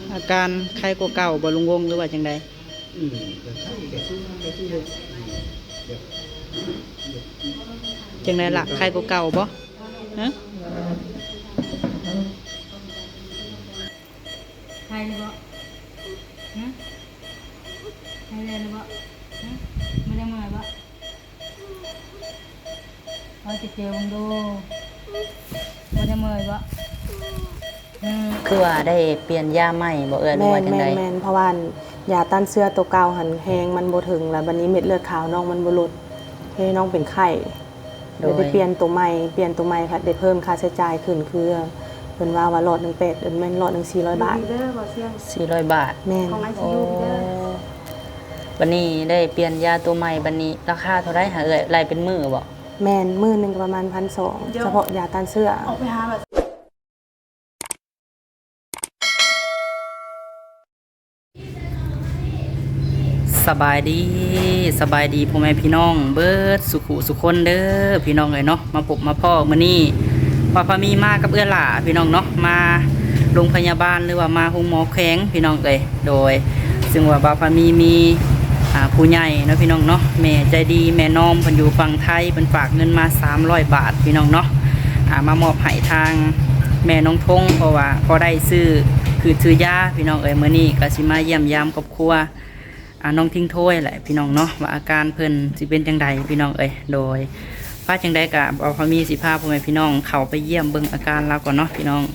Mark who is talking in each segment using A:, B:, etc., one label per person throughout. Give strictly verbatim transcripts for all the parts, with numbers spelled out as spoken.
A: อาการไข้กว่าเก่าบ่ลุงวงหรือว่าจังใด
B: อืมแต่ไข้แต่ที่แต่ที่เลยแบบ
A: จังไดล่ะไข้กว่าเก่าบ่ฮะ
C: ใครเลยบ่ฮะใครเลยบ่ฮะไม่ได้มาบ่เราจะเจอมึงดูไม่ได้มาบ่
A: คือว่าได้เปลี่ยนยาใหม่บ่เอ่ยหรือว่าจังได๋
D: แม่นๆเพราะว่ายาต้านเชื้อตัวเก่าหันแฮงมันบ่ถึงแล้วบัดนี้เม็ดเลือดขาวน้องมันบ่ลดให้น้องเป็นไข้เดี๋ยวได้เปลี่ยนตัวใหม่เปลี่ยนตัวใหม่ค่ะได้เพิ่มค่าใช้จ่ายขึ้นคือเพิ่นว่าว่าหลอดหนึ่งแปดเดือนแม่นหลอดหนึ่งสี่ร้อยบาท
A: สี่ร้อยบาท
D: แม่น
A: โอ้บัดนี้ได้เปลี่ยนยาตัวใหม่บัดนี้ราคาเท่าไรหาเอ่ยไล่เป็นมื้อบ่
D: แม่นมื้อนึงก็ประมาณ หนึ่งพันสองร้อย เฉพาะยาต้านเชื้อออกไปหาแบบ
A: สบายดีสบายดีพ่อแม่พี่น้องเบิดสุขุสุคนเด้อพี่น้องเลยเนาะมาพบมาพ่อมื้อนี้ว่าพามีมากับเอื้อหล่าพี่น้องเนาะมาโรงพยาบาลหรือว่ามาโรงหมอแข้งพี่น้องเลยโดยซึ่งว่าบาพามีมีผู้ใหญ่เนาะพี่น้องเนาะแม่ใจดีแม่น้อมเพิ่นอยู่ฝั่งไทยเพิ่นฝากเงินมาสามร้อยบาทพี่น้องเนาะมามอบให้ทางแม่น้องทงเพราะว่าพอได้ซื้อคือซื้อยาพี่น้องเอ้ยมื้อนี้ก็สิมาเยี่ยมยามครอบครัวน้องทิ้งถ้วยแหละพี่น้องเนาะว่าอาการเพิ่นสิเป็นจังใดพี่น้องเอ้ยโดยพาจังใดกะเอาพอมีสิพาพ่อแม่พี่น้องเข้าไปเยี่ยมเบิ่งอาการเราก่อนเนาะพี่น้อง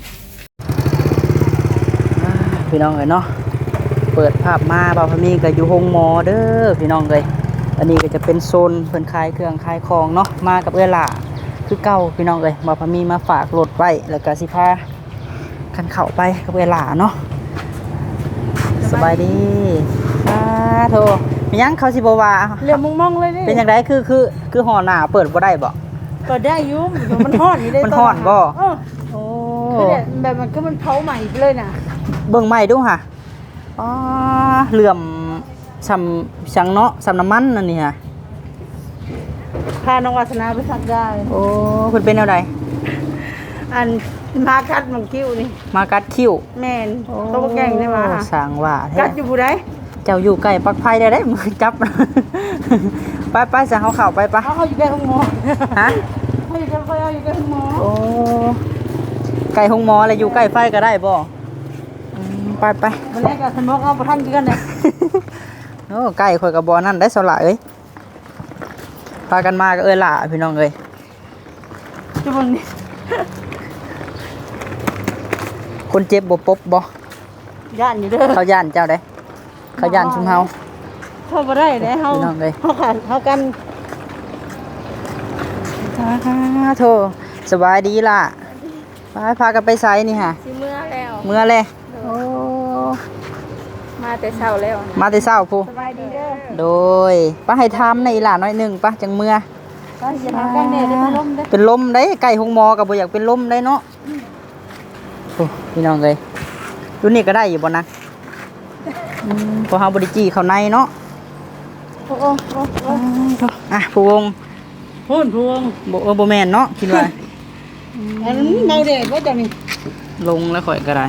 A: พี่น้องเอ้ยเนาะเปิดภาพมาบ่าวพมีก็อยู่โรงหมอเด้อพี่น้องเอ้ยอันนี้ก็จะเป็นโซนเพิ่นขายเครื่องขายของเนาะมากับเอื้อหล่าคือเก่าพี่น้องเอ้ยบ่าวพมีมาฝากรถไว้แล้วก็สิพาคันเข้าไปกับเอื้อหล่าเนาะสบายดีอ่าโธ่มียังเขาสิบ่ว่า
C: เรื่องมองๆเลยนี่
A: เป็นจังไดคือคือคือห่อหน้าเปิดบ่ได้บ่
C: ก็ได้อยู่มันฮ้อนนี่ได้
A: มันฮ้อนบ่
C: เออโอ้คือแบบมันก็มันเผาใหม่ไปเลยน่ะ
A: เบิ่งใหม่ดูค่ะอ๋อเหลื่อมซำสังเนาะซำน้ำมันนั่นนี่ค่ะ
C: พาน้องวาสนาไปสักได้
A: โอ้เพิ่นเป็นแนวใด
C: อันมากัดมังคิ้วนี่
A: มากัดคิ้ว
C: แม่นตัวแก่งได้มา
A: สร้างว่าแท้
C: กัดอยู่ผู้ใด
A: เจ้าอยู่ใกล้ปลักไฟได้ได้มือจับไปไปๆซะเฮาเข้าไปปะ
C: เฮาอยู่ใกล้ห้องหมอ
A: ฮะ
C: เฮาอยู่ใกล้ไฟเฮาอยู่ใกล้ห้องหมอ
A: โอ้ใกล้ห้องหมอแล้วอยู่ใกล้ไฟก็ได้บ่ไปไป
C: วันนี้ก็สมองเอาประทันกันเลย
A: โอ้ใกล้ข่อยกับบ่อนั่นได้สละเอ้ยพากันมาก็เอ้ยล่ะพี่น้องเอ้ย
C: จุบังนี่
A: คนเจ็บบ่ปบบ่
C: ย่านอยู่เด้อ
A: เขาย่านเจ้าได้เขาย่านชุมเฮา
C: เข้าบ่ได้เด้เฮา
A: พี่น้องเอ้ย
C: เฮากันเฮากัน
A: โธ่สบายดีล่ะไปพากันไปไสนี่ฮะ
C: สิเมื่อแล้ว
A: เมื่อเลยโอ้
C: มาแต่เช้าแล้ว
A: มาแต่เช้าพู
C: สบายดีเด้อ
A: โดยป้าให้ทำในอีหล่าน้อยหนึ่งป้าจังเมื่อ
C: ก็สิทำกันเนี่ยได้ลมเด้อ
A: เป็นลมได้ไก่หงมอกับบ่อยากเป็นลมได้เนาะโอ้พี่น้องเอ้ยรุ่นนี้ก็ได้อยู่บ่นะพอเฮาบ่ได้จี้เข้าในเนาะ
C: โอ้โอ้โอ้
A: อ่ะผู้วง
C: พูนพวง
A: บ่เออบ่แม่นเนาะคิดว่า
C: อันเมาเด็ดบ่จังนี่
A: ลงแล้วข่อยก็ได้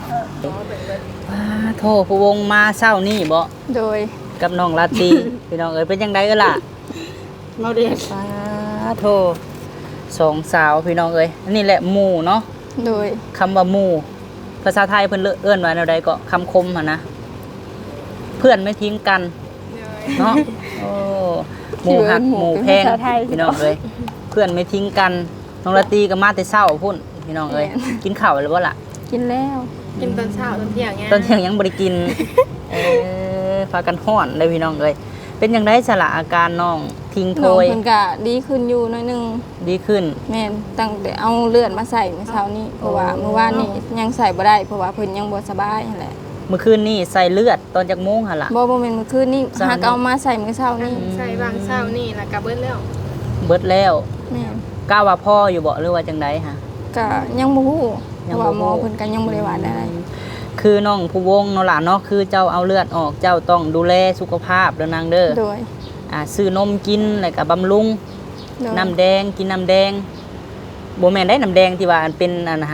A: โทษผู้วงมาเช้านี่บ่
C: โดย
A: กับน้องลาตีพี่น้องเอ้ยเป็นจังได๋เอ้อล่ะ
C: เมาเด็ด
A: สาโทสองสาวพี่น้องเอ้ยอันนี้แหละหมู่เนาะ
C: โดย
A: คำว่าหมู่ภาษาไทยเพิ่นเอื้อนว่าแนวใดก็คำคมหั่นนะเพื่อนไม่ทิ้งกันเนาะโอ้หมู่หักหมู่แพงพี่น้องเอ้ยเพื่อนไม่ทิ้งกันน้องลาตีก็มาแต่เช้าพุ่นพี่น้องเอ้ยกินข้าวแล้วบ่ล่ะ
C: กินแล้ว
E: กินตอนเช้าตอนเที่ยงไง
A: ตอนเที่ยงยังบ่ได้กินเออพากันฮ้อนเลยพี่น้องเอ้ยเป็นจังได๋สละอาการน้องทิ้งโทย
C: น้องเพิ่นก็ดีขึ้นอยู่หน่อยนึง
A: ดีขึ้น
C: แม่นตั้งแต่เอาเลือดมาใส่เมื่อเช้านี้เพราะว่าเมื่อวานนี้ยังใส่บ่ได้เพราะว่าเพิ่นยังบ่สบายนั่นแหละ
A: เมื่อคืนนี้ใส่เลือดตอนจักโมงหั่นล่ะ
C: บ่บ่แม่นเมื่อคืนนี้หากเอามาใส่เมื่อเช้านี้
E: ใส่บางเช้านี่แล้วก็เบิดแล้ว
A: เบิดแล้ว
C: แม่น
A: กล้าว่าพ่ออยู่บ่หรือว่าจังได๋ฮะ
C: ก็ยังบ่ฮู้เพราะว่าหมอเพิ่นก็ยังบ่ได้ว่าได้
A: คือน้องผู้วงเนาะล่ะเนาะคือเจ้าเอาเลือดออกเจ้าต้องดูแลสุขภาพเด้อนางเด้อ
C: โดย
A: อ่าซื้อนมกินแล้วก็บำรุงน้ำแดงกินน้ำแดงบ่แม่นได้น้ำแดงที่ว่าอันเป็นอันน่ะฮะ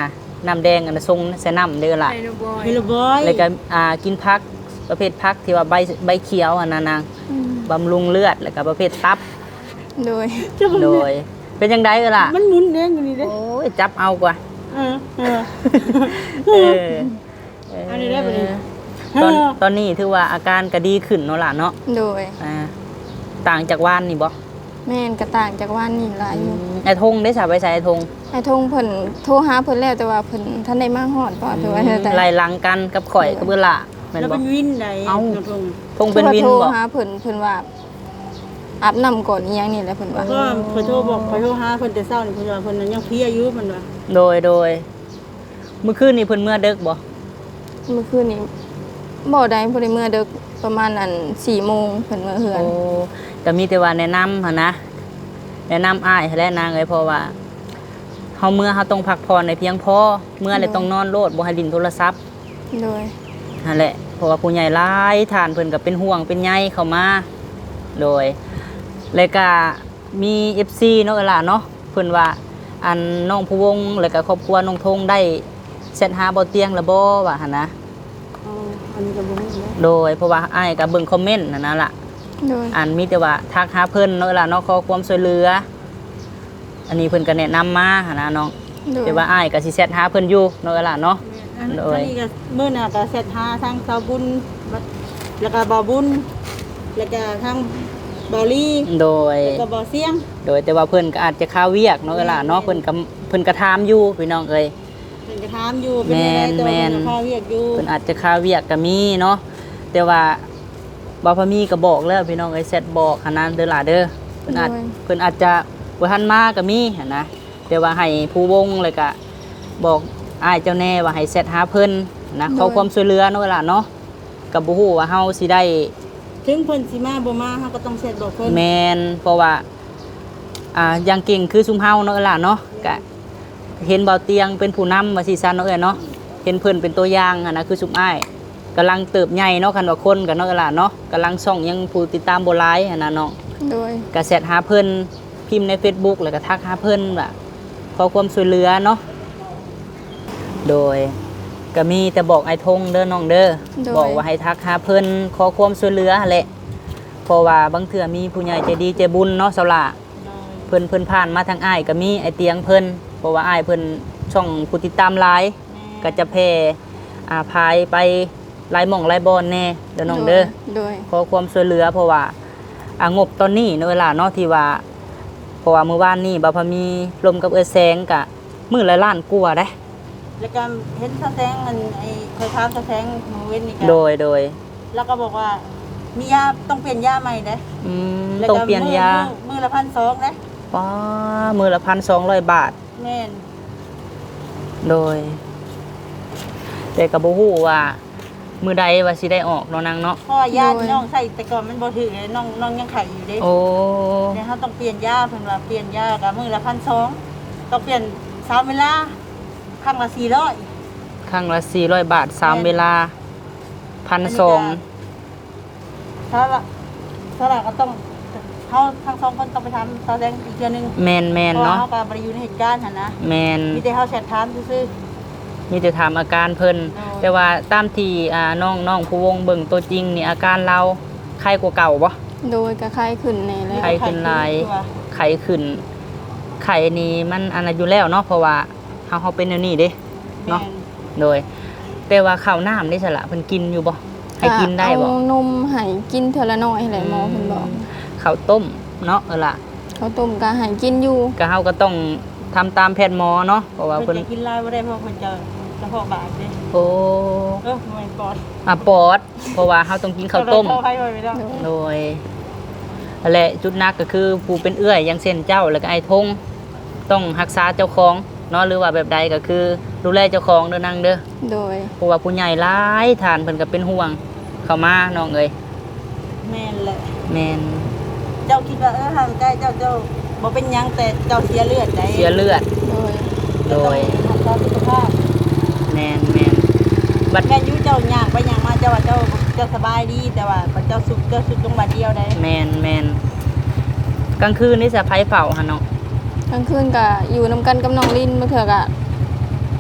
A: น้ำแดงอันน่ะทรงใส่น้ำเด้อล่ะ
E: ไฮโนบอย
C: เฮลโลบอย
A: แล้วก็อ่ากินผักประเภทผักที่ว่าใบใบเขียวอันนั้นนาง
E: อืม
A: บำรุงเลือดแล้วก็ประเภทตับ
E: โดย
A: โดย เป็นจังไดเอ้อล่ะ
C: มันหมุนเด้งอยู่นี่เด้
A: โอ้ยจับเอากว่า
C: เออเออ
A: เออ
C: อันนี้ได้ปะเนี่ย
A: ตอนตอนนี้ถือว่าอาการก็ดีขึ้นเนาะล่ะเนาะ
E: โดย
A: อ่าต่างจากวานนี่บ่
E: แม่นกระต่างจากว่านนี่หลายอยู่
A: ไอ้ธงได้สาไปใส่ไอ้ธง
E: ไอ้ทงเพิ่นโทรหาเพิ่นแล้วแต่ว่าเพิ่นท่านได้มาฮอดบ่ถือว่าแต่
A: ไล่หลังกันกับข่อยกับเบื้อล่ะแม่น
C: แล้ว
A: บ่
C: เป็นวินใด
A: เอ้า
C: น้องทง
A: ธงเป็นวิน
E: โทร
A: บ่
E: หาเพิ่นเพิ่นว่าอาบน้ำก่อนอีหยังนี่แหละเพิ่นว่า
C: ก็ขอโทษบอกขอโทษหาเพิ่นแต่เช้านี่เพิ่นว่าเพิ่นนั้นยังเพลียอยู่เพิ่นว่า
A: โดยโดยเมื่อคืนนี่เพิ่นเมื่อดึกบ่
E: เมื่อคืนนี้บ่ได้บ่ได้เมื่อดึกประมาณอันสี่โมงเพิ่นเมื่อเฮือน
A: โอ้ก็มีแต่ว่าแนะนำหั่นนะแนะนำอ้ายและนางเอ้ยเพราะว่าเฮาเมื่อเฮาต้องพักผ่อนในเพียงพอเมื่อเลยต้องนอนโลดบ่ให้ลิ้นโทรศัพท์
E: โดย
A: นั่นแหละเพราะว่าผู้ใหญ่หลายทานเพิ่นก็เป็นห่วงเป็นใยเข้ามาโดยแล้วก็มี เอฟ ซี เนาะเอ้ยล่ะเนาะเพิ่นว่าอันน้องผู้วงแล้วก็ครอบครัวน้องธงได้เสร็จหาบ่เตียงแล้วบ่ว่าหั่นนะ
C: อ๋ออันนี้ก็บ่ฮู้แล้ว
A: โดยเพราะว่าอ้ายก็เบิ่งคอมเมนต์นั่นน่ะล่ะ
E: โดย
A: อันมีแต่ว่าทักหาเพิ่นเนาะเอ้ยล่ะเนาะขอความช่วยเหลือ อันนี้เพิ่นก็แนะนำมาหั่นนะน้อง
E: โดย
A: แต่ว่าอ้ายก็สิแชทหาเพิ่นอยู่เนาะเอ้ยล่ะเนาะ
C: อัน
A: โดย
C: นี้ก็มื้อน่ะก็เสร็จหาทางสาวบุญบัดแล้วก็บ่าวบุญแล้วก็ทางบ่าวลี
A: โดย
C: แล้วก็บ่าวเสียง
A: โดยแต่ว่าเพิ่นก็อาจจะค้าเวียกเนาะเอ้ยล่ะเนาะเพิ่นก็เพิ่นก็ถามอยู่พี่น้องเอ้ย
C: เพิ่นก็ถามอยู่เป็นจังไดตัว
A: แม่น
C: เพิ่นก็พาเรียกอยู่
A: เพิ่นอาจจะค้าเวียกก็มีเนาะแต่ว่าบ่าวพะมีก็บอกแล้วพี่น้องเอ้ยแชทบอกหันนั้นเด้อล่ะเด้อเพิ่นอาจเพิ่นอาจจะบ่ทันมาก็มีหั่นนะแต่ว่าให้ผู้วงเลยก็บอกอ้ายเจ้าแน่ว่าให้แชทหาเพิ่นนะขอความช่วยเหลือเนาะเอ้ยล่ะเนาะก็บ่ฮู้ว่าเฮาสิได้
C: ถึงเพิ่นสิมาบ่มาเฮาก็ต้องเสร็จบอกเพิ่น
A: แมนเพราะว่าอ่าอย่างเก่งคือซุมเฮาเนาะเอ้ยล่ะเนาะก็เห็นเบาเตียงเป็นผู้นำว่าสิซั่นเนาะเอ้ยเนาะเห็นเพิ่นเป็นตัวอย่างอะนะคือซุมอ้ายกำลังเติบใหญ่เนาะคันว่าคนกันเนาะเอ้ยล่ะเนาะกำลังส่องยังผู้ติดตามบ่หลายอะนะน้อง
E: โดย
A: ก็แชทหาเพิ่นพิมพ์ใน Facebook แล้วก็ทักหาเพิ่นว่าขอความช่วยเหลือเนาะโดยก็มีแต่บอกไอ้ธงเด้อน้องเด้อบอกว่าให้ทักหาเพิ่นขอความช่วยเหลือหั่นแหละเพราะว่าบางเทื่อมีผู้ใหญ่ใจดีใจบุญเนาะสาวละเพิ่นเพิ่นผ่านมาทางอ้ายก็มีไอเตียงเพิ่นเพราะว่าอ้ายเพิ่นช่องผู้ติดตามหลายก็จะแพร่อ่าพายไปหลายหม่องหลายบอนแน่เด้อน้องเด้อ
E: โดย
A: ขอความช่วยเหลือเพราะว่าอ่างบตอนนี้เนาะเวลาเนาะที่ว่าเพราะว่ามื้อวานนี้บ่าวพะมีลมกับเอื้อแสงก็มื้อละล้านกว่าเด้
C: แล้วก็เห็นสะแสงมันไอ้เคยถามสะแสงมื้อเว้นนี่ก็
A: โดยโดย
C: แล้วก็บอกว่ามียาต้องเปลี่ยนยาใหม่เด้
A: อืม
C: แล้ว
A: ต้อง
C: ก็
A: เปลี่ยนยา
C: มื้อมื้อละพันสองเด้
A: ป้ามื้อละ หนึ่งพันสองร้อย บาท
C: แม่น
A: โดย แต่ก็บ่ฮู้ว่ามื้อใดว่าสิได้ออกเนาะนางเนาะ
C: เพราะว่ายาที่น้องใส่แต่ก่อนมันบ่ถือเลยน้องน้องยังไข่อยู่เด้
A: โอ้
C: เดี๋ยวเฮาต้องเปลี่ยนยาเพิ่นว่าเปลี่ยนยาก็มื้อละพันสองต้องเปลี่ยนสามเวลาครั้งละสี่ร้อย
A: ครั้งละสี่ร้อยบาทสามเวลา หนึ่งพันสอง
C: ถ้าละถ้าละก็ต้องเฮาทั้งสองคนต้องไปทำแสดงอีกเทื่อนึง
A: แม่นแม่น
C: เพราะว่า
A: เนาะ
C: เฮาก็บ่ได้อยู่ในเหตุการณ์หั่นนะ
A: แม่น
C: มีแต่เฮาแชทถามซื่อ
A: มีแต่ถามอาการเพิ่น
C: อ๋อ
A: แต่ว่าตามที่อ่าน้องน้องผู้วงเบิ่งตัวจริงนี่อาการเราไข้กว่าเก่าบ่
E: โดยกระไข้ขึ้นใน
C: ๆ
E: เลย
A: ไข้ขึ้นหลาย
C: ตัว
A: ไข้ขึ้นไข้นี่มันอันนั้นอยู่แล้วเนาะเพราะว่าเฮาเฮาเป็นแนวนี้เด้เนาะ
C: แม่
A: โดย แต่ว่าข้าวน้ำนี่สละเพิ่นกินอยู่บ่ให้กินได้บ่
E: เอานมให้กินเทอละน้อยแหละหมอเพิ่นบอก
A: ข้าวต้มเนาะเออล่ะ
E: เขาวต้มก็ให้กินอยู่
A: ก็เฮาก็ต้องทำตามแพทย์หมอเนาะเพราะว่า
C: เพิ่
A: เพิ่
C: น
A: น
C: จะกินหลายบ่ได้เพราะเพิ่นจะกระเพาะบาดเด้
A: โอ้
C: เออไม่ปอด
A: อ่ะปอด เพราะว่าเฮาต้องกินข้าวต้ม
C: เข้าไปไม่ได้
A: โดยนั่นแหละจุดหนักก็คือผู้เป็นเอื้อยอย่างเช่นเจ้าแล้วก็ไอ้ทงต้องรักษาเจ้าของเนาะหรือว่าแบบใดก็คือดูแลเจ้าของเด้อนางเด้อ
E: โดย
A: เพราะว่าผู้ใหญ่หลายทานเพิ่นก็เป็นห่วงเข้ามาน้องเอ้ย
C: แม่นแหละ
A: แม่น
C: เจ้าคิดว่าเออทางใกล้เจ้าเจ้าบ่เป็นหยังแต่เจ้าเสียเลือดได้
A: เสียเลือด
E: โดย
A: โดย
C: รักษาสุขภาพ
A: แม่นแม่นบัด
C: แม่นอยู่เจ้าย่างไปย่างมาเจ้าว่าเจ้าเจ้าสบายดีแต่ว่าเจ้าสุขเจ้าสุขตรงบาดเดียวได้
A: แม่นแม่นกลางคืนนี่สะไผเฝ้าหั่นเนาะ
E: กลางคืนก็อยู่นํกันกับน้องลินบางเทื่อก็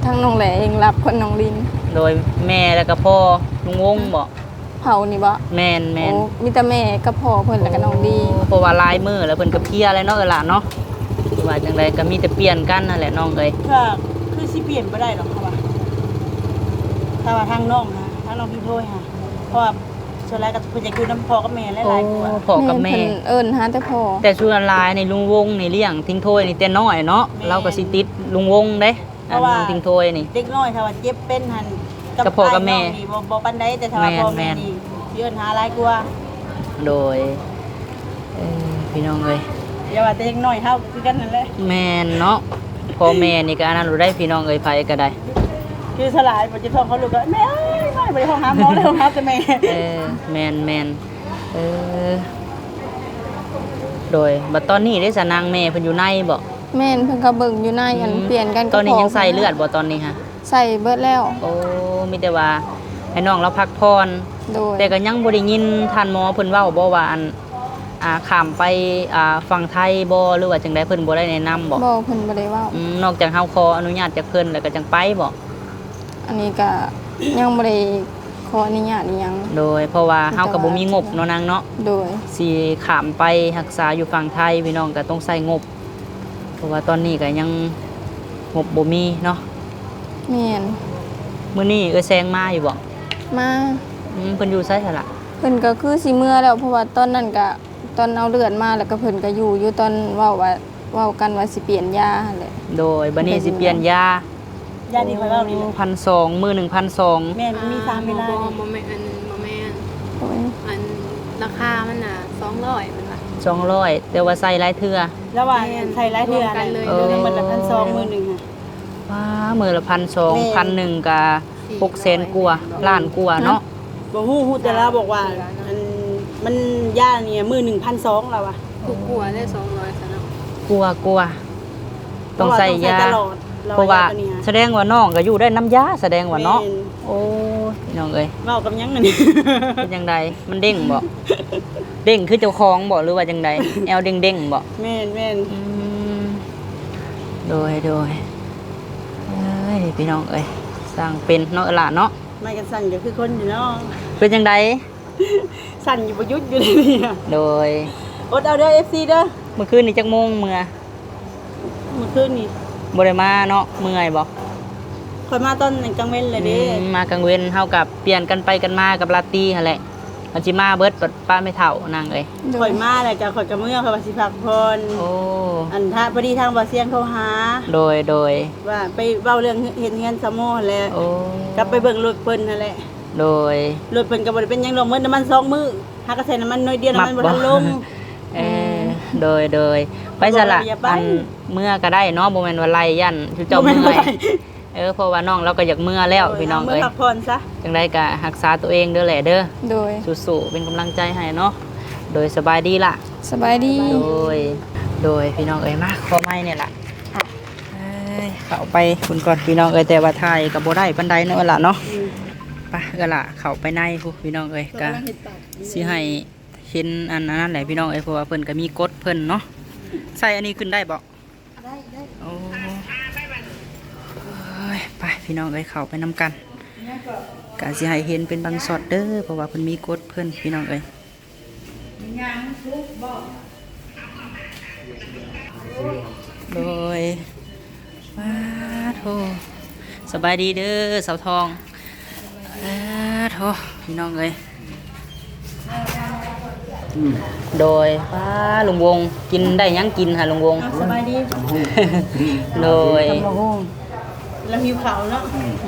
E: ทั้งน้องแหลเองรับคนน้องลิน
A: โดยแม่แล้วก็พ่อลุงวงบ่
E: เผานี่บ่
A: แม่นแม่น
E: โอ้มีแต่แม่กับพ่อเพิ่นแล้วก็น้องดี
A: เพราะว่าลายมือแล้วเพิ่นก็เพลียแล้วเนาะเออล่ะเนาะว่าจังไดก็มีแต่เปลี่ยนกันนั่นแหละน้องเอ้ย
C: ก็คือสิเปลี่ยนบ่ได้หรอกค่ะว่าถ้าว่าทางน้องนะทางน้องพี่โทยค่ะเพราะว่าส่วนแรกก็เพิ่นจะอยู่น้ำพ่อกับแม่หลายๆกว่า
A: พ่อกับแม่
E: เพิ่นเอิ้นหาแต่พ่อ
A: แต่ส่วนลายในลุงวงนี่เลี้ยงทิ้งถ้วยนี่แต่น้อยเนาะเราก็สิติดลุงวงเด้
C: เพ
A: อัน
C: ราะว่า
A: ลุงทิ้งถ้วยนี่
C: เด็กน้อยถ้าว่าเจ็บเป็นหัน
A: กับพ่อกับแม่
C: อ้ายน้องนี่บ่บ่ปานใดแต่ถ้าว่าพ่อ
A: แม่
C: แม่
A: น
C: นี่สิเอิ้นหาหลายกว่า
A: โดยเอ่อพี่น้องเอ้ย
C: อย่าว่าแต่เด็กน้อยเฮาคือกันนั่นแหละ
A: แม่นเนาะพ่อแม่นี่ก็อันนั้นรู้ได้พี่น้องเอ้ยไผก็ได้
C: คือสลายบ่จะท้องเขาลูกก็แม่เอ้ยไม่บ่ได้ห้องหาหมอเลยห้องหาแต่แม่
A: เออแม่นแม่นเออโดยบัดตอนนี้ได้สนางแม่เพิ่นอยู่ในบ่
E: แม่นเพิ่นก็เบิ่งอยู่ในอันเปลี่ยนกันกับ
A: ตอนนี้
E: พ่
A: ยังใส่เลือดบ่ตอนนี้ฮะ
E: ใส่เบิดแล้ว
A: โอ้มีแต่ว่าให้น้องเราพักผ่อน
E: โดย
A: แต่ก็ยังบ่ได้ยินท่านหมอเพิ่นเว้าบ่ว่าอันอ่าข้ามไปอ่าฝั่งไทยบ่หรือว่าจังไดเพิ่นบ่ได้แนะนำบ่
E: บ่เพิ่นบ่ได้เว้า
A: อืมนอกจากเฮาขออนุญาตจากเพิ่นแล้วก็จังไปบ่
E: อันนี้ก็ยังบ่ได้ขออนุญาตอีหยัง
A: โดยเพราะว่าเฮาก็บ่มีงบเนาะนางเนาะ
E: โดย
A: สิข้ามไปรักษาอยู่ฝั่งไทยพี่น้องก็ต้องใช้งบ เพราะว่าตอนนี้ก็ยังงบบ่มีเนาะ
E: แม่น
A: มื้อนี้เอ้ยแซงมาอยู่บ่
E: มา
A: อืมเพิ่นอยู่ไสซะล่ะ
E: เพิ่นก็คือสิเมื่อแล้วเพราะว่าตอนนั้นก็ตอนเอาเลือดมาแล้วก็เพิ่นก็อยู่อยู่ตอนเว้าว่าเว้ากันว่าสิเปลี่ยนยาหั่นแหละ
A: โดยบัดนี้สิเปลี่ยนยา
C: ญาติที่เขาเล่านี่แหละ
A: พันสองมื้อหนึ่งพันสอง
C: แม่มันมีสามเวลา
F: บ่
C: นี่
F: บ่แม่นอันบ่แม่น
E: โอ้ย
F: อันราคามันน่ะสองร้อยมันว่า
A: สองร้อยแต่ว่าใส่หลายเทื่อ
C: แล้วว่าใส่หลายเทื่อ
F: รวมกันเลย
C: เออมันละพันสองมื้อหนึงค่ะ
A: ว้ามื้อละพันสอง
C: แม่
A: พันหนึ่งก็หกแสนกว่าล้านกว่าเนาะ
C: บ่ฮู้ฮู้แต่ละบอกว่าอันมันย่าเนี่ยมื้อหนึ่งพันสองแล้วอ่ะ
F: ถูกกว่าได้สองร้อยซะเนาะ
A: กลัวกลัวต้องใส่ยา
C: ตลอด
A: เพราะว่า
C: ตัวนี้
A: แสดงว่าน้องก็อยู่ได้น้ำยาแสดงว่าเนาะ
C: แม่
A: โอ้ยพี่น้องเอ้ย
C: เว้ากับหยังนั่นนี่
A: เป็นจังไดมันเด้งบ่เด้งคือเจ้าของบ่หรือว่าจังไดแอวเด้งๆบ่
C: แม่นแม่น
A: อืมโดยโดยเอ้ยพี่น้องเอ้ยสร้างเป็นเนาะเออล่ะเนาะ
C: ไม่กันสั่นก็คือคนอยู่เนาะ
A: เป็นจังได
C: สั่นอยู่บ่หยุดอยู่เลยนี่อะ
A: โดย
C: อดเอาเด้อ เอฟ ซี เด้อ
A: เมื่อคืนนี้จักโมงเมื่อ
C: เมื่อคืนนี่
A: บ่ได้มาเนาะเมื่อยบ่
C: ข่อยมาตอนกลางเว้นเลยเด้
A: อืมมากลางเว้นเฮากับเปลี่ยนกันไปกันมากับลาตรีหั่นแหละมันสิมาเบิดปัดป้าไม่เฒ่านางเอ้ย
E: โด
C: ข่อย ยมาแล้วก็ข่อยก็เมื่อข่อยว่าสิพักผ่อน
A: โอ้
C: อันถ้าพอดีทางบ่เสียงโทรหา
A: โดยโดย
C: ว่าไปเว้าเรื่องเฮ็ดเงินซะโมหั่นแหละ
A: โอ้
C: กลับไปเบิ่งรถเพิ่นนั่นแหละ
A: โดย
C: รถเพิ่นก็บ่ได้เป็นหยังดอกมื้อน้ำมันสองมื้อหากระใส่น้ำมันน้อยเดียวน้ำมันบ่ทันลง
A: เออโดยโดยไปซะละ
C: อย่าไป
A: อันเมื่อก็ได้เนาะบ่แม่นว่าไล่ยันคือเจ้า
C: บ่แม่
A: เมื่
C: น
A: อย
C: ว่าไล่
A: เออเพราะว่าน้องเราก็อยากเมื่อแล้วพี่น้อง
C: เมื่อ
A: เอ้ย
C: พักผ่อนซะ
A: จังไดก็รักษาตัวเองเด้อแหละเด้อ
E: โดย
A: สู้ๆเป็นกำลังใจให้เนาะโดยสบายดีล่ะ
E: สบายดี
A: โดย โดยพี่น้องเอ้ยมาขอไม้เนี่ยล่ะเอ้ยเข้าไปคุณก่อนพี่น้องเอ้ยแต่ว่าถ่ายกับบ่ได้ปานใดเนาะล่ะเนาะไปเอ้อล่ะเข้าไปในพุพี่น้องเอ้ยก็สิให้เห็นอันนั้นแหละพี่น้องเอ้ยเพราะว่าเพิ่นก็มีกฎเพิ่นเนาะใส่อันนี้ขึ้นได้บ่ได้ได้โอ้ยไปพี่น้องเอ้ยเข้าไปนํกันก็สิให้เห็นเป็นบางช็อตเด้อเพราะว่าเพิ่นมีกฎเพิ่นพี่น้องเอ้ย โดยว้าโถสบายดีเด้อสาวทองว้าโถพี่น้องเอ้ยโดยว้าลุงวงกินได้หยังกินค่ะลุงวง
C: สบายดี
A: โดย
C: แล้วหิวข้าวเนาะ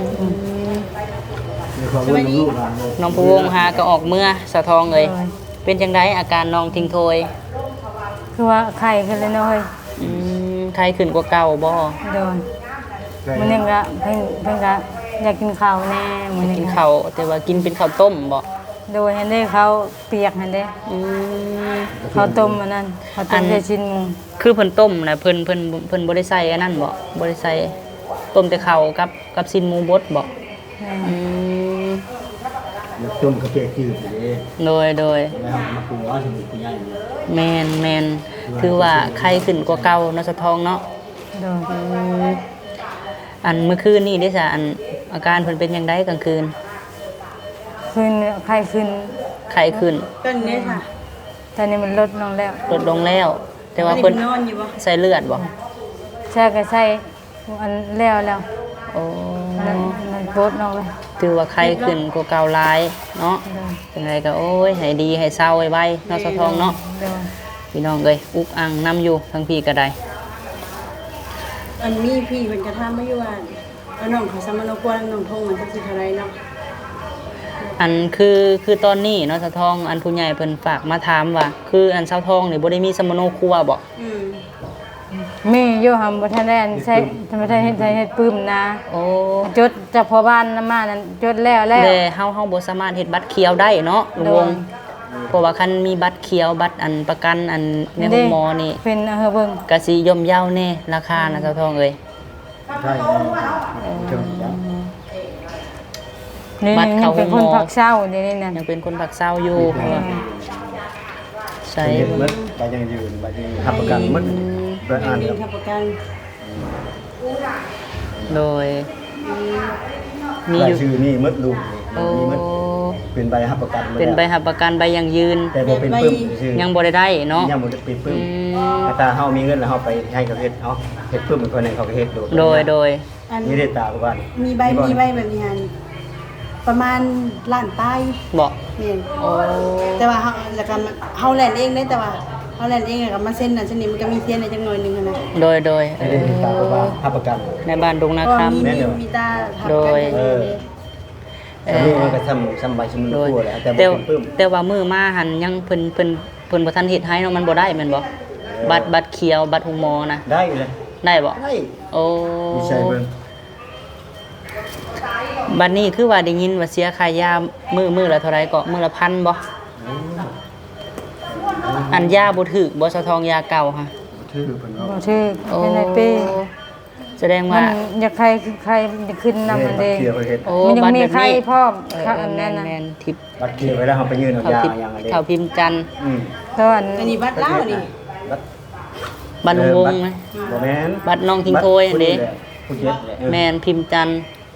B: สบายดี
A: น้องพะวงหาก็ออกเมื่อสาวทองเลยเป็นจังไดอาการน้องทิ้งโทย
G: คือว่าไข่ขึ้นเลยเนาะเฮ้ย
A: อืมใครขึ้นกว่าเก่าบ่
G: โดนมันยังกะเพิ่งเพิ่งกะอยากกินข้าวแน่มันยัง
A: กิน
G: กะ
A: ข้าวแต่ว่ากินเป็นข้าวต้มบ่
G: โดยเห็นได้เขาเปียกเห็นได้
A: อืม
G: ข้าวต้มอันนั้นข้าวต้มใส่ชิ้นหมู
A: คือเพิ่นต้มนะเพิ่นเพิ่นเพิ่นบ่ได้ใส่อันนั้นบ่บ่ได้ใส่ต้มแต่ข้าวกับกับซินหมูบดบ่
G: แม่
A: อืม
B: แล้วจนกระเปียกจืดเลย
A: โดยโดย
B: แล้วมาปรุงว่าสมุนไพรย่าง
A: แม่นแม่นถือว่าไข้ขึ้นกว่าเก่าเนาะสะทองเนาะ
G: โดน
A: อืมอันเมื่อคืนนี่ได้ซะอันอาการเพิ่นเป็นจังไดกลางคืน
G: ขึ้นไข้ขึ้น
A: ไข้ขึ้น
C: ก็นี่ค่ะ
G: ตอนนี้มันลดลงแล้ว
A: ลดลงแล้ว แต่ว่า
C: อันนี้
A: เพิ่น
C: นอนอยู่บ่
A: ใส่เลือดบ่
G: ใช่ก็ใช่อันแล้วแล้ว
A: โอ้
G: มันมันโพดลงเลย
A: ถือว่าไข้ขึ้นกว่าเก่าหลายเนาะจังไดก็โอ้ยให้ดีให้เศร้าไวๆเนาะสะทองเนาะ
G: เดี๋ยว
A: พี่น้องเอ้ยอุกอังนํอยู่ทั้งพี่ก็ได้
C: อันมีพี่เพิ่นกระทำมาอยู่ว่าเอาน้องเขาสมานกวนน้องทงมันจักสิเท่าไหร่เนาะ
A: อันคือคือตอนนี้เนาะสะทองอันผู้ใหญ่เพิ่นฝากมาถามว่า คืออันสะทองนี่บ่ได้มีสมโนครัวบ่
C: อืม
G: มีอยู่หำบ่ทันได้อันใช้ทำไมได้เฮ็ดใช้เฮ็ดปื้มนะ
A: โอ้
G: จดจากพ่อบ้านนำมานั้นจดแล้วแล้ว
A: แต่เฮาเฮาบ่สามารถเฮ็ดบัตรเขียวได้เนาะลุงวงเพราะว่าคันมีบัตรเขียวบัตรอันประกันอันในห้องหมอนี่
G: เป็นเออเบิ่ง
A: ก็สิย่อมเยาแน่ราคานะสะทองเอ้ย
B: ได้เจอแล้ว
G: นี่
A: บัตรเข้า
G: เป็น
A: ห้
G: ค
A: องหมอ
G: นผักเศร้าเดี๋ยวนี้นั่น
A: ยังเป็นคนผักเศร้าอยู่เพราะว่าใช่
B: เห็นมัดไปยังยืนไปยังหับประกันมัดไปอ่าน
C: มี
B: ครับ
C: ทับประกัน
A: โดยมี
B: ราย
A: อยู่
B: ชื่อนี่มัดลุง
A: โอ้
B: มีมัดเป็นใบหับประกัน
A: เป็นใบหับประกันใบยังยืน
B: แต่บ่เป็นปึ้มชื่อ
A: ยังบ่ได้ได้เนาะ
B: ยังบ่ได้เป็นปึ้ม
A: อืม
B: แต่ถ้าเฮามีเงินแล้วเฮาไปให้เขาเฮ็ดเฮาเฮ็ดปึ้มเป็นคนหนึงเขาก็เฮ็ดโด
A: โดยโดย
C: อัน
B: นี่ได้ตาบ้าน
C: มีใบมีใบแบบนี้ฮันประมาณล้านใต้
A: บอก
C: แม่น
A: โอ้
C: แต่ว่าเฮาแล้วก็เฮาแลนเองได้แต่ว่าเฮาแลนเองแล้วก็มาเซ็นนั่นเซ็นนี่มันก็มีเทียนในจังหน่อยหนึงอะนะ
A: โดยโดยเอ
B: ไม่ได้
A: อ
B: ติดตามบ้านหับประกัน
A: ในบ้านดงนา
C: เพราะ
A: ค
C: ว่ามี
B: แม่น
C: มี
B: เดี๋ยว
C: มีตาทับ
A: โด
C: กัน
A: ย
C: เออ
B: เออ นี่มันก็ทำทำใบชม
A: โด
B: พู
A: ย
B: แหละแต่
A: แต่
B: บ่เป็นปึ้ม
A: แต่ว่ามือมาหันยังเพิ่นเพิ่นเพิ่นบ่ทันเฮ็ดให้เนาะมันบ่ได้แม่นบ่บัตรบัตรเขียวบัตรหุงหมอนะ
B: ได้เลย
A: ได้บ่
B: ได้
A: โอ้
B: มีใช่เบิ่ง
A: บัดนี้คือว่าได้ยินว่าเสียค่ายามื้อมื้อละเท่าไหร่ก็มื้อละพันบ่อันยาบ่ถูกบ่สะทองยาเก่าค่ะ
B: ชื่อเพิ่น
G: บ่
B: ว่า
G: ชื่อ
A: โอ้
G: เป็นไอ้เป้
A: แสดง
G: มั
A: ว่า
G: นอยากใครใครขึ้นนำมันเอง
B: เขียวไปเฮ็ด
A: โอ้
G: มันยัง
A: บัตร
G: มี
A: แบบ
G: ใคร
A: นี้
G: พร้อม
A: เออ
G: ค่ะ
A: เอ
G: อั
A: อน แม่
G: นั้น
A: น
G: น่ะ
A: แม่นทิพย์
B: บัตรเขียวไว้แล้วเฮาไปยื่นเอา
A: เขา
B: ยา
A: ทิพย์
B: อย่างอันนี้
A: เขาพิมพ์จันทร์
B: อืม
G: ตอน
C: อันนี้บัตรลาวนี่
B: บัตร
A: บัตรลุงวงนะ
B: บ่แม่น
A: บัตรน้องทิ้งโทยเด้
B: ผู้เจ็ดแหละเออ
A: แม่นพิมพ์จันทร์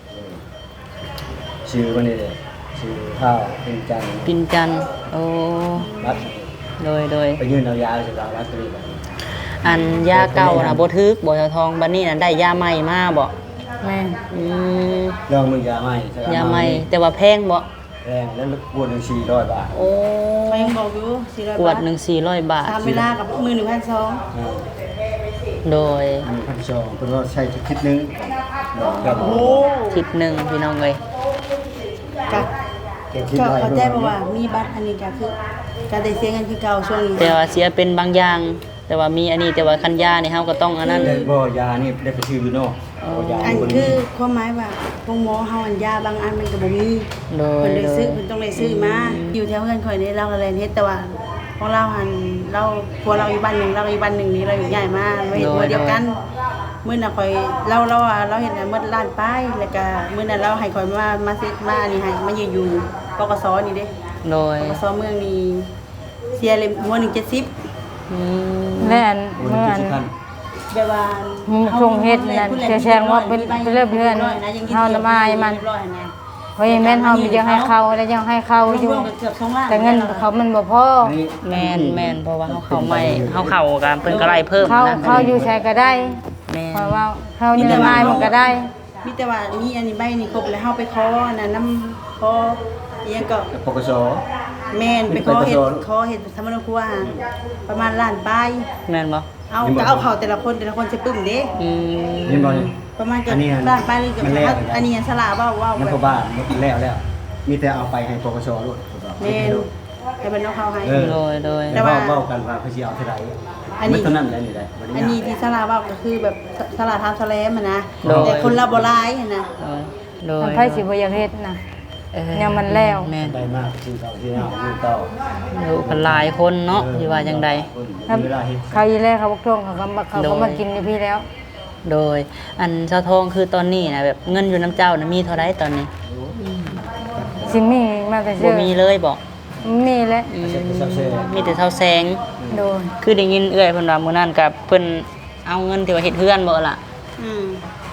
B: ชื่อมันนี่แหละชื่อข้าวเป็นจันทร์
A: พิมพ์จันทร์โอ้
B: บัตร
A: โดยโดย
B: ไปยื่นเอายาสิครับบัตรนี้
A: อันยาเก่าน่ะบ่ทึกบ่เท่าทองบัดนี้น่ะได้ยาใหม่มาบ่
G: แม่
A: อืม
B: ลองมึงยาใหม่
A: ยาใหม่แต่ว่าแพงบ่
B: แพงแล้วขวดหนึงสี่ร้อยบาท
A: โอ้
C: เขายังบอกอยู่สี่ร้อย
A: ขว
C: บา
A: ด
C: ท
A: หนึ่งสี่ร้อยบาท
C: ตามเวลากับมือหนึ่งพันสอง
B: อ่า
A: โดย
B: มีพันสองเพิ่นว่าใช้คิดนึงดอกครับ
C: โอ้
A: ทิศหนึงพี่น้องเอ้ย
C: กะ
B: เก็บคิด
C: ก็
B: ไว้
C: เข้าใจเพราะว่ามีบัตรอันนี้ก็คือการได้เสียเงินคือเก่าช่วงนี้
A: แต่ว่าเสียเป็นบางอย่าง แต่ว่ามีอันนี้แต่ว่าคันยานี่เฮาก็ต้องอันนั้น
B: ได้บ่ยานี่ได้ไปซื้ออยู่นอกบ่ยา
C: อัน
B: คน
C: คื
B: นี้
C: อความหมายว่าพวกหมอเฮาอันยาบางอันมันก็บ่มี
A: โดย
C: เพิ่นเลย
A: โด
C: ซื้อย เพิ่นต้องได้ซื้อมาอยู่แถวเฮือนข่อยนี่เราก็เลยเฮ็ดแต่ว่าของเราหันเราพวกเราอยู่บ้านหนึงเราอยู่บ้านหนึงนี่เราอยู่ใหญ่มาเราเฮ็ดมื้อเดียวกันมื้อน่ะข่อยเราเราว่าเราเฮ็ดน่ะมื้อล้านป้ายแล้วก็มื้อนั้นเราให้ข่อยมามาซื้อมาอันนี้ให้มายืนอยู่ปกสนี่เด้
A: โดย
C: ปกสเมืองนี่เสียเลยหัวหนึ่งเจ็ดสิบ
A: อืม
G: และอัน
B: คน
G: เมื่อ
B: ที่
G: อัน
B: สิบพัน
C: แบบว่า
G: ชงเฮ็ดนั่นแชร์ว่าเป็นเป็นเรื่องเพื่อนเฮาละมายมัน เพราะยังแม่นเฮามียังให้เขาแล้วยังให้เขาอยู่
C: เกือบสองล้าน
G: แต่เงินเขามันบ่พอ
B: นี่
A: แม่นแม่นเพราะว่าเฮาเข้าใหม่เฮาเข้ากันเพิ่นก็ไล่เพิ่ม
G: เขา
A: นะ
G: เขาอยู่ใช้ก็ได้
A: แม่
G: เพราะ
A: น
G: ว่าเขานี่ละมายมันก็ได้
C: มีแต่ว่ามีอันนี้ใบนี่ครบแล้วเฮาไปขอน่ะน้ำขออีหยังก็
B: ปกส
C: แม่นไปขอเฮ็ด
B: ไปขอ
C: ขอเฮ็ดสมณครัวหาประมาณล้านปลาย
A: แม่นบ่
C: เอาก็เอาเขาแต่ละคนแต่ละคนสิปึ้มเด้
A: อืม
B: นี่บ่นี่
C: ประมาณเกือบ
B: อันนี้อัน
C: ล้านปลายหรือเกือบ
B: มันแล้ว
C: อันนี้อันสลาเว้าเว้า
B: มัน
C: แบ
B: ก็
C: บ
B: บ้านมันแล้วแล้ว มีแต่เอาไปให้ปกสโลด
C: แม่นให้เพิ่นเอาเข้าให้
B: เออ
A: โดยโดย
C: แต่
B: แต่
C: ว่า
B: ว่าเว้ากันว่าเขาสิเอาเท่าใด
C: อันนี้
B: มันเท่านั้นแหละนี่ได้บ่ได้
C: อันนี้
B: ยาก
C: ที่สลาเว้าก็คือแบบสลาทำสแลมอะนะแต่คนละบ่หลายอะนะ
A: โดยโดย
G: ทำไผสิบ่อยากเฮ็ดนะ
A: เอ้ย
G: ยังมันแล้ว
A: แม่น
B: ได้มากที่เก่าที่เอาอยู่เก่า
A: อยู่กันหลายคนเนาะที่ว่าจังใด
G: ครับ
B: เวลาเฮ็ด
G: เขาอีแลเขาบอกท่งเขาก็มาเขาก็มากินอยู่พี่แล้ว
A: โดย อันเจ้าทองคือตอนนี้นะแบบเงินอยู่น้ำเจ้านะมีเท่าไรตอนนี้
G: สิมีมาแต่
A: บ่
G: เชื่อ
A: มีเลยบอก
G: มีแล้ว
A: อืมมีแต่เท่าแสง
G: โดน
A: คือได้ยินเอื้อยเพิ่นว่ามื้อนั้นกับเพิ่นเอาเงินที่ว่าเฮ็ดเฮือนบ่ล่ะ
C: อืม
A: เ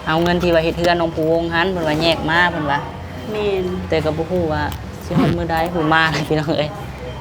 A: เอาเงินที่ว่าเฮ็ดเฮือนน้องผู้วงหันเพิ่นว่าแยกมาเพิ่นว่า
C: แม่น
A: แต่ก็บ่ฮู้ว่าสิฮอดมื้อใดผู้มาพี่น้องเอ้ย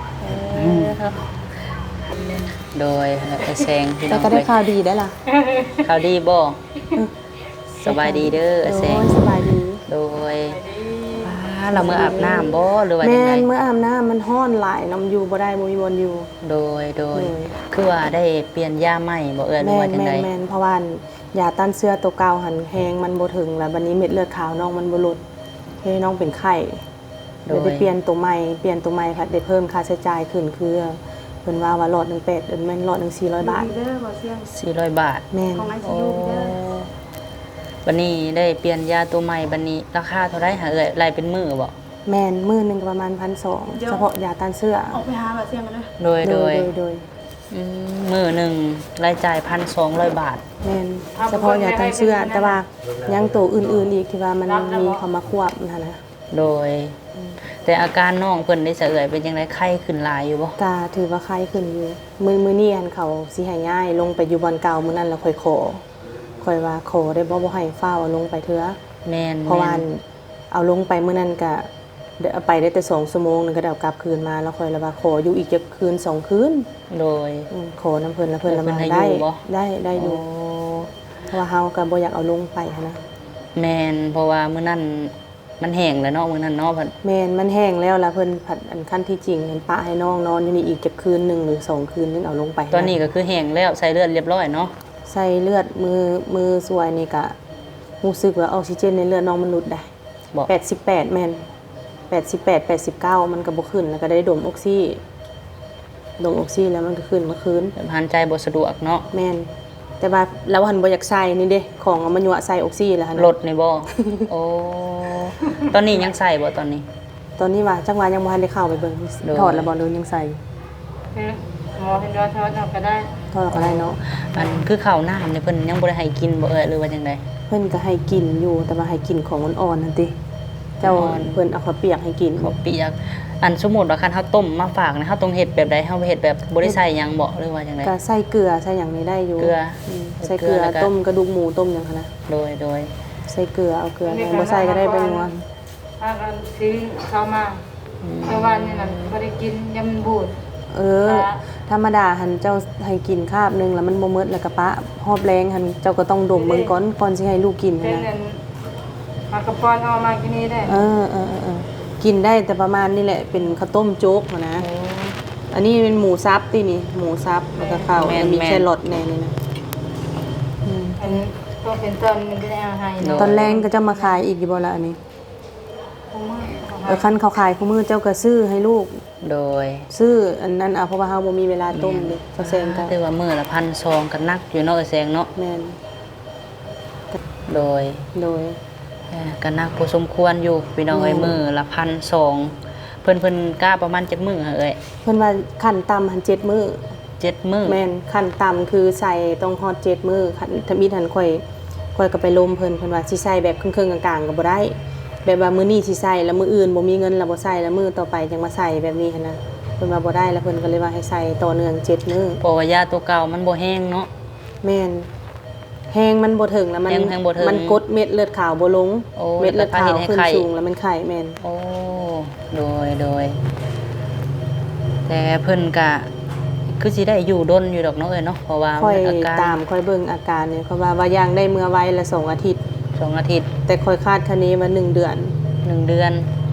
A: โดยไอ้แซงพี่น้
D: แต่
A: อง
D: ก็ได้
A: เอ้ย
D: ข่าวดีได้ล่ะ
A: ข่าวดีบ่สบายดีเด้อไอ้แซ
D: โอ้
A: ง
D: ยสบายดี
A: โดยป้าเรามื้ออาบน้ำบ่หรือว่าจั
D: แม่
A: งได
D: นเมื่ออาบน้ำมันฮ้อนหลายน้ำอยู่บ่ได้บ่มีบนอยู่
A: โดยโดย
D: โดย
A: คือว่าได้เปลี่ยนยาใหม่บ่เอ่ยหรือ
D: แม่
A: ว่าน จัง
D: แม่
A: ได
D: นแม่นเพราะว่ายาต้านเชื้อตัวเก่าหันแฮงมันบ่ถึงแล้วบัดนี้เม็ดเลือดขาวน้องมันบ่ลดให้น้องเป็นไข้เลยได้เปลี่ยนตัวใหม่เปลี่ยนตัวใหม่ค่ะได้เพิ่มค่าใช้จ่ายขึ้นคือเพิ่นว่าว่าหลอดหนึ่งแปดเดือนแม่นหลอดหนึ่งสี่ร้อยบาท
C: เด้อบ่เสียง
A: สี่ร้อยบาท
D: แม่น
C: ของไอซี
A: โอ้
C: ยูเด้อ
A: บัดนี้ได้เปลี่ยนยาตัวใหม่บัดนี้ราคาเท่าไหร่หาเอ่ยรายเป็นมื้อบ่
D: แม่นมื้อหนึงก็ประมาณพันสองร้อยเฉพาะยาต้านเชื้อ
C: ออกไปหาบ่เสียงกันเด้อ
A: โดย
D: โด
A: โด
D: ย
A: ย
D: โดยโดย
A: อืมมื้อหนึงรายจ่ายพันสองร้อยบาท
D: แม่นเฉพาะยาต้านเชื้อแต่ว่ายังตัวอื่นๆอีกที่ว่ามันมีเข้ามาควบนะนะ
A: โดย แต่อาการน้องเพิ่นได้เสะเอ่ยเป็นจังไดไข้ขึ้นหลายอยู่บ่
D: กาถือว่าไข้ขึ้นอยู่มือมือนี่อันเขาสิให้ย้ายลงไปอยู่บอนเก่ามื้อนั้นแล้วค่อยขอค่อยว่าขอได้บ่บ่ให้ฟ้าวเอาลงไปเถื่อ
A: แม่น
D: เพราะว่า
A: แม่น
D: เอาลงไปมื้อนั้นก็เดี๋ยวเอาไปได้แต่สองชั่วโมงนึงก็ได้เอากลับคืนมาแล้วค่อยละว่าขออยู่อีกจักคืนสองคืน
A: โดย
D: อืมขอน้ำเพิ่นแล้วเพิ่นละมา
A: เพิ่นให้
D: ได้
A: อยู่บ่
D: ได้ได้อยู่
A: โอ้
D: เพราะว่าเฮาก็บ่อยากเอาลงไปหั้นนะ
A: แม่นเพราะว่ามื้อนั้นมันแห้งแล้วเนาะมื้อนั้นเนาะเพิ่น
D: แม่นมันแห้งแล้วล่ะเพิ่นผัดอันขั้นที่จริงเห็นปะให้น้องนอนอยู่นี่อีกจักคืนหนึงหรือสองคืนนึงเอาลงไป
A: ตอนนี้ก็คือแห้งแล้วใส่เลือดเรียบร้อยเนาะ
D: ใส่เลือดมือมือสวยนี่ก็รู้สึกว่าออกซิเจนในเลือดน้องมันลดได้
A: บอก
D: แปดสิบแปดแม่นแปดสิบแปด แปดสิบเก้ามันก็บ่ขึ้นแล้วก็ได้ดมออกซิดมออกซิแล้วมันก็ขึ้นเมื่อคืน
A: หายใจบ่สะดวกเนาะ
D: แม่นแต่ว่าเราหันบ่อยากใส่นี่เด้ของเอามายั่วใส่ออกซิแล้วหั่น
A: ลดนี่บ่ โอ้ตอนนี้ยังใส่บ่ตอนนี้
D: ตอนนี้ว่าจังหวะยังบ่ทันได้เข้าไปเบิ่ง
A: โดย
D: ถอดแล้วบ่หรือยังใส่
G: หมอเห็นว่าทอดเอาก็ได้
D: ถอดแล้วก็ได้เนาะ
A: อันคือข้าวน้ำนี่เพิ่นยังบ่ได้ให้กินบ่เอ่ยหรือว่าจังได
D: เพิ่นก็ให้กินอยู่แต่ว่าให้กินของอ่อนๆนั่นติเจ้า
A: อ่อน
D: เพิ่นเอาข้าวเปียกให้กิน
A: ข้าวเปียกอันสมมุติว่าคันเฮาต้มมาฝากนะเฮาต้องเฮ็ดแบบใดเฮาเฮ็ดแบบบ่ได้ใส่หยังบ่หรือว่าจังได
D: ก็ใส่เกลือใส่หยังนี่ได้อยู่
A: เกลือ
D: มใส่เกลือ
A: เกลือแล้วก็
D: ต้มกระดูกหมูต้มหยังคะนะ
A: โดยโดย
D: ใส่เกลือเอาเกลือยังบ่ใส่ก็ได้เป็นนัว
G: ถ้ากันซื้อเข้ามาเพราะว่านี่นั่นบ่ได้กินยำบูด
D: เออ ธรรมดาหันเจ้าให้กินคาบหนึงแล้วมันบ่หมดแล้วก็ปะหอบแรงหันเจ้าก็ต้องดมเบิ่งก่อนก่อนสิให้ลูกกิน
G: เป็น
D: นะ
G: นั่นมากระปอนเอามากินนี่ได้
D: เออเออเออเออกินได้แต่ประมาณนี้แหละเป็นข้าวต้มโจ๊กหั้นนะอันนี้เป็นหมูซับตินี่หมูซับแล้วก็ข้าว
A: แม่น
D: แล้วมี
A: แม่น
D: แครอทในนี่นะอืม
G: อันนี้ก็เป็นต้นมันจะได้เอาให้เนาะ
D: ตอนแรงก็จะมาขายอีกอยู่บ่ละอันนี้
G: ของมือของ
D: เออคันเขาขายคู่มือเจ้าก็ซื้อให้ลูก
A: โดย
D: ซื้ออันนั้นเอาเพราะว่าเฮาบ่มีเวลาต้มเลยเขาแซงกัน
A: ถือว่ามื้อละพันซองก็นักอยู่เนาะเอ้ยแซงเนาะ
D: แม่น
A: โดย
D: โดย
A: เอ่อก็นักพอสมควรอยู่พี่น้องเอ้ย
D: อืม
A: มื้อละพันซองเพิ่นเพิ่นกล้าประมาณจักมื้อหาเอ้ย
D: เพิ่นว่าขั้นต่ำหันเจ็ดมื้อ
A: เจ็ดมื้อ
D: แม่นขั้นต่ำคือใส่ต้องฮอดเจ็ดมื้อคันถ้ามีทันค่อยค่อยก็ไปลมเพิ่นเพิ่นว่าสิใส่แบบครึ่งๆกลางๆก็บ่ได้ แบบว่ามื้อนี้สิใส่แล้วมื้ออื่นบ่มีเงินแล้วบ่ใส่แล้วมื้อต่อไปจังมาใส่แบบนี้หันนะเพิ่นว่าบ่ได้แล้วเพิ่นก็เลยว่าให้ใส่ต่อเนื่องเจ็ดมื้อ
A: เพราะว่ายาตัวเก่ามันบ่แห้งเนาะ
D: แม่นแห้งมันบ่ถึงแล้วมัน
A: แห้งแห้งบ่ถึง
D: มันกดเม็ดเลือดขาวบ่ลง
A: โอ้
D: เม็ดเลือดขาว
A: แล้วพาเห็นให้
D: ขึ้น
A: ไข้
D: สูงแล้วมันไข้แม่น
A: โอ้โดยโดย แต่เพิ่นก็คือสิได้อยู่ดนอยู่ดอกเนาะเอ้ยเนาะเพราะว่า
D: ค่อย
A: อาการ
D: ตามค่อยเบิ่งอาการเนี่ยเขาว่าว่าย่างได้เมื่อไว้ละสองอาทิตย์
A: สองอาทิตย์
D: แต่ค่อยคาดคะเนว่าหนึ่งเดือน
A: หนึ่งเดือน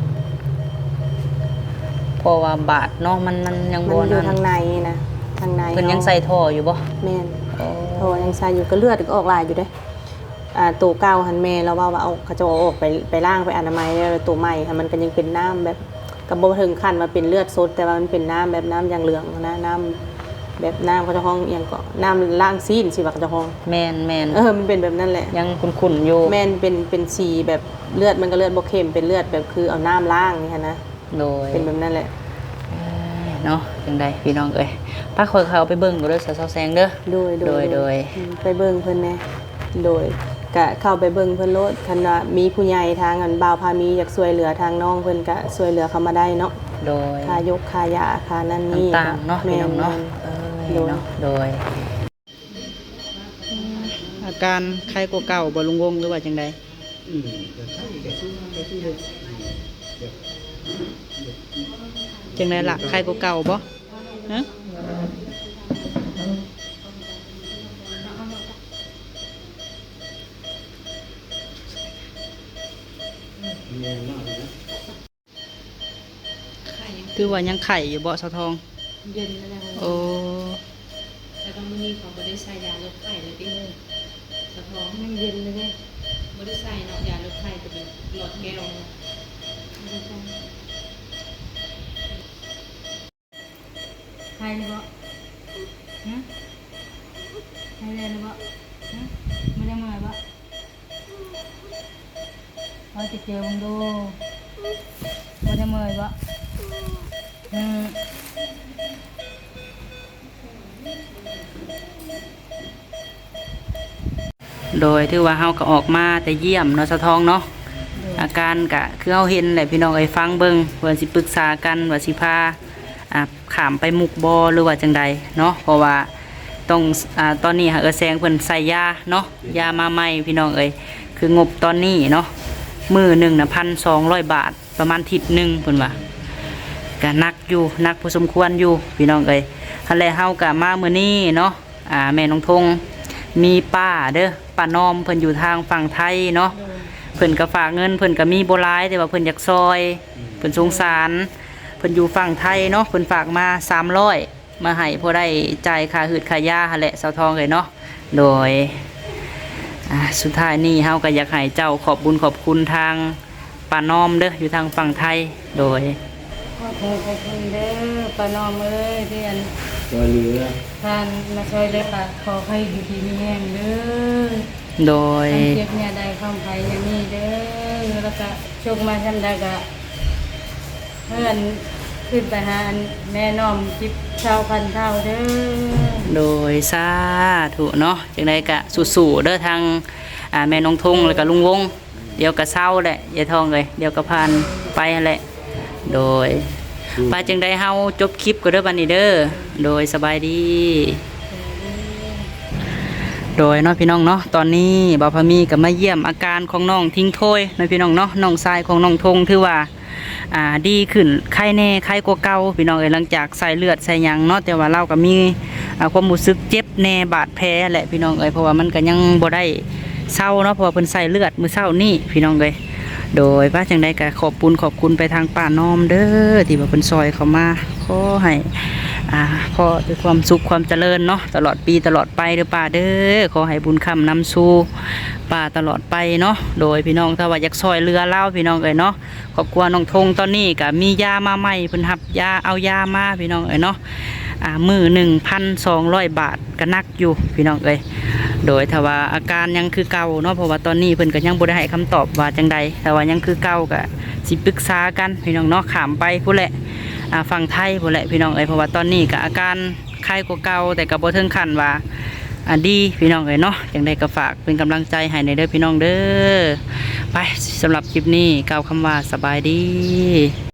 A: เพราะว่าบาดเนาะมันมันยัง
D: มัน
A: บ่
D: อยู่
A: นั่น
D: ทางในนะทางใน
A: เพิ่นยังใส่ท่ออยู่บ่
D: แม่น
A: โอ้
D: โทรยังใส่อยู่ก็เลือดก็ออกหลายอยู่เด้อ่าตัวเก่าหันแม่เราว่าว่าเอาเขาจะเอาออกไปไปล้างไปอนามัยแล้วตัวใหม่ค่ะมันก็ยังเป็นน้ำแบบก็บ่ถึงขั้นว่าเป็นเลือดสดแต่ว่ามันเป็นน้ำแบบน้ำอย่างเหลืองนะน้ำแบบน้ำเขาจะห้องอหย่างก็น้ำล้างซีนสิว่าเขาจะห้อง
A: แม่นแม่น
D: เออมันเป็นแบบนั้นแหละ
A: ยังขุ่นๆอยู่
D: แม่นเป็นเป็นสีแบบเลือดมันก็เลือดบ่เข้มเป็นเลือดแบบคือเอาน้ำล้างนี่ค่ะนะ
A: โดย
D: เป็นแบบนั้นแหละ
A: เนาะจังไดพี่น้องเอ้ยป้าคอยเขาไปเบิ่งดูเด้อสาวๆแซงเด้อ
D: โดย
A: โดยโดย
D: อืมไปเบิ่งเพิ่นแหน่โดยก็เข้าไปเบิ่งเพิ่นโลดคันว่ามีผู้ใหญ่ทางอันบ่าวพามีอยากช่วยเหลือทางน้องเพิ่นก็ช่วยเหลือเขามาได้เนาะ
A: โดย
D: ค่ายกค่ายาค่านั่นนี่
A: ต่างๆเนาะพี่น้องเนาะเออ
D: โดย
A: เนาะโดยการไข้กว่าเก่าบ่ลุงวงหรือว่าจังใด
B: อืมแต่ไข้แต่ช่วงนั้นแต่ช่วงเลยเดี๋ยว
A: จังใดล่ะไข้กว่าเก่าบ่ฮะ
B: แรงมากเลยนะ
A: คือว่ายังไข่อยู่บ่สะทอง
G: เย็นแล้วนะ
A: โอ้
H: แต่ก็มื้อนี้เขาบ่ได้ใส่ยาลดไข้เลยติสะท้อง
G: มันเย็นเลยเนี่ย
H: บ่ได้ใส่เนาะยาลดไข้จะเป็นหลอดแก้วเนาะ
G: ใครเลยบ่ฮะใครเลยบ่ฮะไม่ได้มาบ่พอจะเจอมึงดูไม่ได้มาบ่อืม
A: โดยที่ว่าเฮาก็ออกมาแต่เยี่ยมเนาะสะทองเนาะอาการก็คือเฮาเห็นแหละพี่น้องเอ้ยฟังเบิ่งเพิ่นสิปรึกษากันว่าสิพาอ่าข้ามไปมุกบ่หรือว่าจังใดเนาะเพราะว่าต้องอ่าตอนนี้หาเออแซงเพิ่นใส่ยาเนาะยามาใหม่พี่น้องเอ้ยคืองบตอนนี้เนาะมื้อหนึงน่ะ หนึ่งพันสองร้อย บาทประมาณอาทิศนึงเพิ่นว่าก็หนักอยู่หนักพอสมควรอยู่พี่น้องเอ้ยหั่นแหละเฮาก็มามื้อนี้เนาะอ่าแม่น้องทงมีป้าเด้อป้านอมเพิ่นอยู่ทางฝั่งไทยเนาะเพิ่นก็ฝากเงินเพิ่นก็มีบ่หลายแต่ว่าเพิ่นอยากซอยเพิ่นสงสารเพิ่นอยู่ฝั่งไทยเนาะเพิ่นฝากมาสามร้อยมาให้พอได้จ่ายค่าหืดค่ายาหั่นแหละเสาทองเลยเนาะโดยอ่าสุดท้ายนี้เฮาก็อยากให้เจ้าขอบบุญขอบคุณทางป้านอมเด้ออยู่ทางฝั่งไทยโดย
G: ขอโทษขอบคุณเด้อป้านอมเอ้ยที่อัน
B: ตัวเรือ
G: ท่านมาช่วยเด้อค่ะขอให้อยู่ดีมีแห้งเด้อ
A: โดย
G: ท่านเจ็บเนี่ยได้ความภัยอย่างนี้เด้อแล้วก็โชคมาทำได้ก็เพื่อนขึ้นไปหาอันแม่น้อมจิบเท่าพันเท่าเด้อ
A: โดยสาธุเนาะจังไดก็สู้ๆเด้อทางอ่าแม่น้องทงแล้วก็ลุงวงเดี๋ยวก็เศร้าแหละยายทองเลยเดี๋ยวก็ผ่านไปหั่นแหละโดยไปจังไดเฮาจบคลิปก็เด้อบัดนี้เด้อโดยสบายดี โดยเนาะพี่น้องเนาะตอนนี้บ่าวพามีก็มาเยี่ยมอาการของน้องทิ้งถ้วยเนาะพี่น้องเนาะน้องชายของน้องทงถือว่าอ่าดีขึ้นไข้แน่ไข้กว่าเก่าพี่น้องเอ้ยหลังจากใส่เลือดใส่หยังเนาะแต่ว่าเราก็มีอ่าความรู้สึกเจ็บแน่บาดแผลแหละพี่น้องเอ้ยเพราะว่ามันก็ยังบ่ได้เศร้าเนาะเพราะว่าเพิ่นใส่เลือดมื้อเช้านี่พี่น้องเอ้ยโดยว่าจังไดก็ขอบคุณขอบคุณไปทางป้าน้อมเด้อที่ว่าเพิ่นซอยเข้ามาขอให้อ่าขอด้วยความสุขความเจริญเนาะตลอดปีตลอดไปเด้อป้าเด้อขอให้บุญคำนำสู่ป้าตลอดไปเนาะโดยพี่น้องถ้าว่าอยากซอยเรือเล่าพี่น้องเอ้ยเนาะครอบครัวน้องทงตอนนี้ก็มียามาใหม่เพิ่นรับยาเอายามาพี่น้องเอ้ยเนาะอ่ามื้อ หนึ่งพันสองร้อย บาทก็นักอยู่พี่น้องเอ้ยโดยถ้าว่าอาการยังคือเก่าเนาะเพราะว่าตอนนี้เพิ่นก็ยังบ่ได้ให้คำตอบว่าจังใดแต่ว่ายังคือเก่าก็สิปรึกษากันพี่น้องเนาะข้ามไปพู้นแหละอ่าฝั่งไทยพู้นแหละพี่น้องเอ้ยเพราะว่าตอนนี้ก็อาการไข้กว่าเก่าแต่ก็บ่ถึงขั้นว่าอ่าดีพี่น้องเอ้ยเนาะจังใดก็ฝากเป็นกำลังใจให้ในเด้อพี่น้องเด้อไปสำหรับคลิปนี้กล่าวคำว่าสบายดี